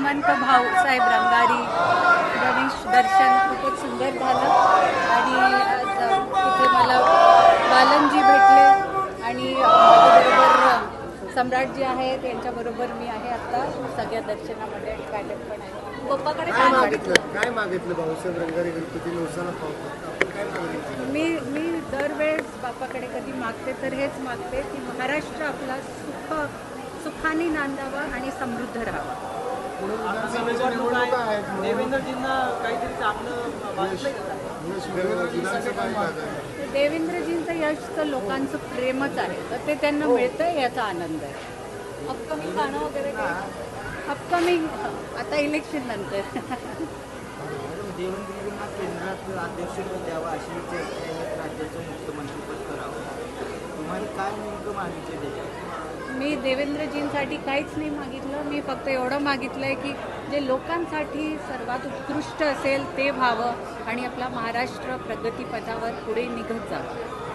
श्रीमंत भाऊसाहेब रंगारी गणेश दर्शन खूपच सुंदर झालं आणि तिथे मला बालनजी भेटले आणि माझ्याबरोबर सम्राट जी आहेत त्यांच्याबरोबर मी आहे आता सगळ्या दर्शनामध्ये आणि मॅडम पण आहे. पप्पाकडे काय मागितलं भाऊसाहेब रंगारी गणपती नवसाला पावतो काय मागितलं? मी दरवेळेस बापाकडे कधी मागते तर हेच मागते की महाराष्ट्र आपला सुखाने नांदावा आणि समृद्ध राहावा. देवेंद्रजींना काहीतरी चांगलं देवेंद्रजींचं यश तर लोकांचं प्रेमच आहे तर ते त्यांना मिळतं याचा आनंद आहे. अपकमिंग गाणं वगैरे अपकमिंग आता इलेक्शन नंतर देवेंद्रजींना केंद्रात अध्यक्षपद द्यावं अशी चर्चा आहे, राज्याचं मुख्यमंत्रीपद करावं. तुम्हाला काय नेमकं मागितलं त्याच्यात? मी देवेंद्रजींसाठी काहीच नाही मागितलं. मी फक्त एवढं मागितलं आहे की जे लोकांसाठी सर्वात उत्कृष्ट असेल ते व्हावं आणि आपला महाराष्ट्र प्रगतीपथावर पुढे निघत जावं.